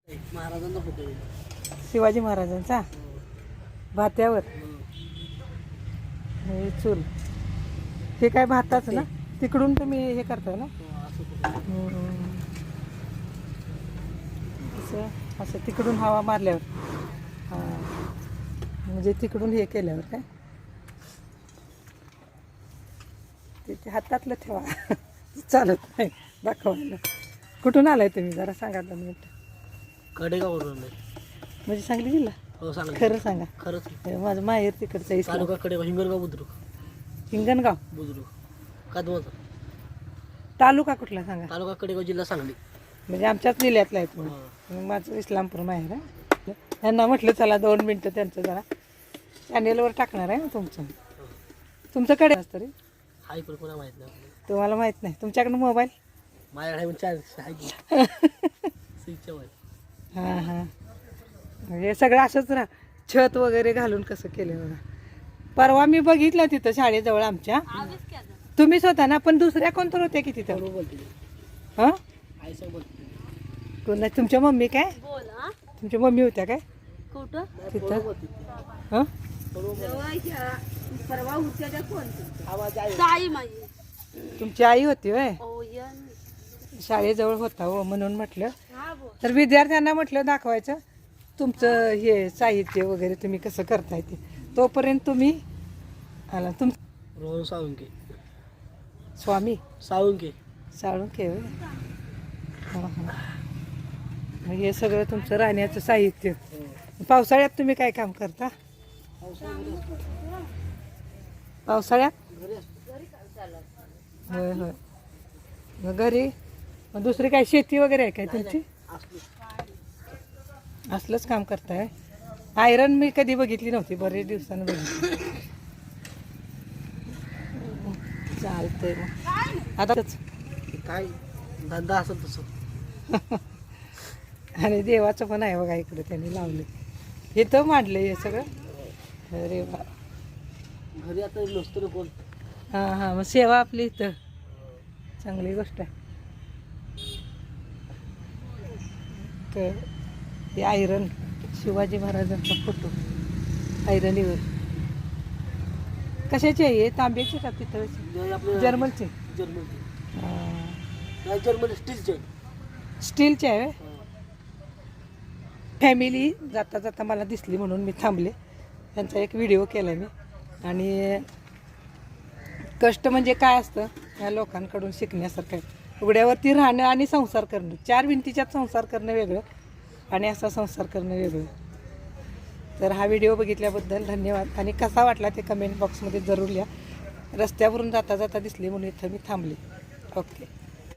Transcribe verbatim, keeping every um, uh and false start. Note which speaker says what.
Speaker 1: महाराजांचा फोटो आहे.
Speaker 2: शिवाजी महाराजांचा भात्यावर हे चूल. हे काय भाताच ना, तिकडून तुम्ही हे करताय ना. हम्म. असं असं तिकडून हवा मारल्यावर, हां, म्हणजे तिकडून हे केल्यावर काय ते ते हातातलं ठेवा. चालत नाही दाखवायला. कुठून आलाय तुम्ही जरा सांगा दोन मिनिट.
Speaker 1: कडेगाववरून आहे.
Speaker 2: म्हणजे सांगली जिल्हा?
Speaker 1: हो सांगा.
Speaker 2: खरं सांगा.
Speaker 1: खरंच.
Speaker 2: हे माझं माहेर तिकडचं इस्लाम.
Speaker 1: तालुका कडेगाव, हिंगणगाव बुद्रुक.
Speaker 2: हिंगणगाव
Speaker 1: बुद्रुक कदमाचा.
Speaker 2: तालुका कुठला सांगा?
Speaker 1: तालुका कडेगाव, जिल्हा सांगली.
Speaker 2: म्हणजे आमच्याच जिल्ह्यातला आहे तुम्ही. माझं इस्लामपूर माहेर आहे. त्यांना म्हटलं चला दोन मिनटं त्यांचं जरा चॅनेलवर टाकणार आहे ना तुमचं. तुमच्याकडे तरी
Speaker 1: हा इकडे कोणा माहीत नाही आपल्याला.
Speaker 2: तुम्हाला माहीत नाही. तुमच्याकडे मोबाईल?
Speaker 1: माझ्याकडे आहे चार आहे की स्विचच्या वर.
Speaker 2: हां हां. म्हणजे सगळं असंच राहा. छत वगैरे घालून कसं केलं बघा. परवा मी बघितलं तिथं शाळेजवळ आमच्या. तुम्हीच होता ना, पण दुसऱ्या कोणतर होत्या की तिथं?
Speaker 1: बरोबर बोलते.
Speaker 2: हां,
Speaker 1: आई सांग बोलते.
Speaker 2: कोण नाही? तुमच्या मम्मी काय? तुमच्या मम्मी होत्या काय
Speaker 3: कुठं
Speaker 2: तिथं?
Speaker 1: बोलते.
Speaker 2: हां,
Speaker 3: परवा होत्या त्या कोण?
Speaker 1: आवाज आहे.
Speaker 3: ताई माझी.
Speaker 2: तुमची आई होती होय?
Speaker 3: ओ यन.
Speaker 2: शाळेजवळ होता हो, म्हणून म्हटलं.
Speaker 3: हा बोल.
Speaker 2: तर विद्यार्थ्यांना म्हटलं दाखवायचं तुमचं हे साहित्य वगैरे तुम्ही कसं करताय ते. तोपर्यंत तुम्ही आला. तुम
Speaker 1: रोहन साळुंके.
Speaker 2: स्वामी
Speaker 1: साळुंके.
Speaker 2: साळुंके होय? हां हां. मग हे सगळं तुमचं राहण्याचं साहित्य. पावसाळ्यात तुम्ही काय काम करता? पावसाळ्यात? होय होय. मग घरी मग दुसरी काय शेती वगैरे आहे काय तुमची? असलंच काम करताय. आयरन मी कधी बघितली नव्हती, बरेच दिवसानं बघितली. चालतंय मग आता
Speaker 1: काय धंदा असेल तसं.
Speaker 2: आणि देवाचं पण आहे बघा इकडे त्यांनी लावले. हे तर मांडलं हे सगळं. अरे वा.
Speaker 1: घरी आता नसतो ना कोण.
Speaker 2: हां हां. मग सेवा आपली इथं चांगली गोष्ट आहे. तर हे आयरन शिवाजी महाराजांचा फोटो आयरनीवर. कशाची आहे हे? तांब्याची का पितळाची?
Speaker 1: आपलं
Speaker 2: जर्मनची?
Speaker 1: जर्मन.
Speaker 2: हां.
Speaker 1: नाही जर्मन स्टीलचे.
Speaker 2: स्टीलची आहे. फॅमिली जाता जाता मला दिसली म्हणून मी थांबले. त्यांचा एक व्हिडिओ केला मी. आणि कष्ट म्हणजे काय असतं या लोकांकडून शिकण्यासारखं आहे. उघड्यावरती राहणं आणि संसार करणं, चार भिंतीच्यात संसार करणं वेगळं आणि असा संसार करणं वेगळं. तर हा व्हिडिओ बघितल्याबद्दल धन्यवाद. आणि कसा वाटला ते कमेंट बॉक्समध्ये जरूर लिहा. रस्त्यावरून जाता जाता दिसले म्हणून इथं मी थांबले. ओके.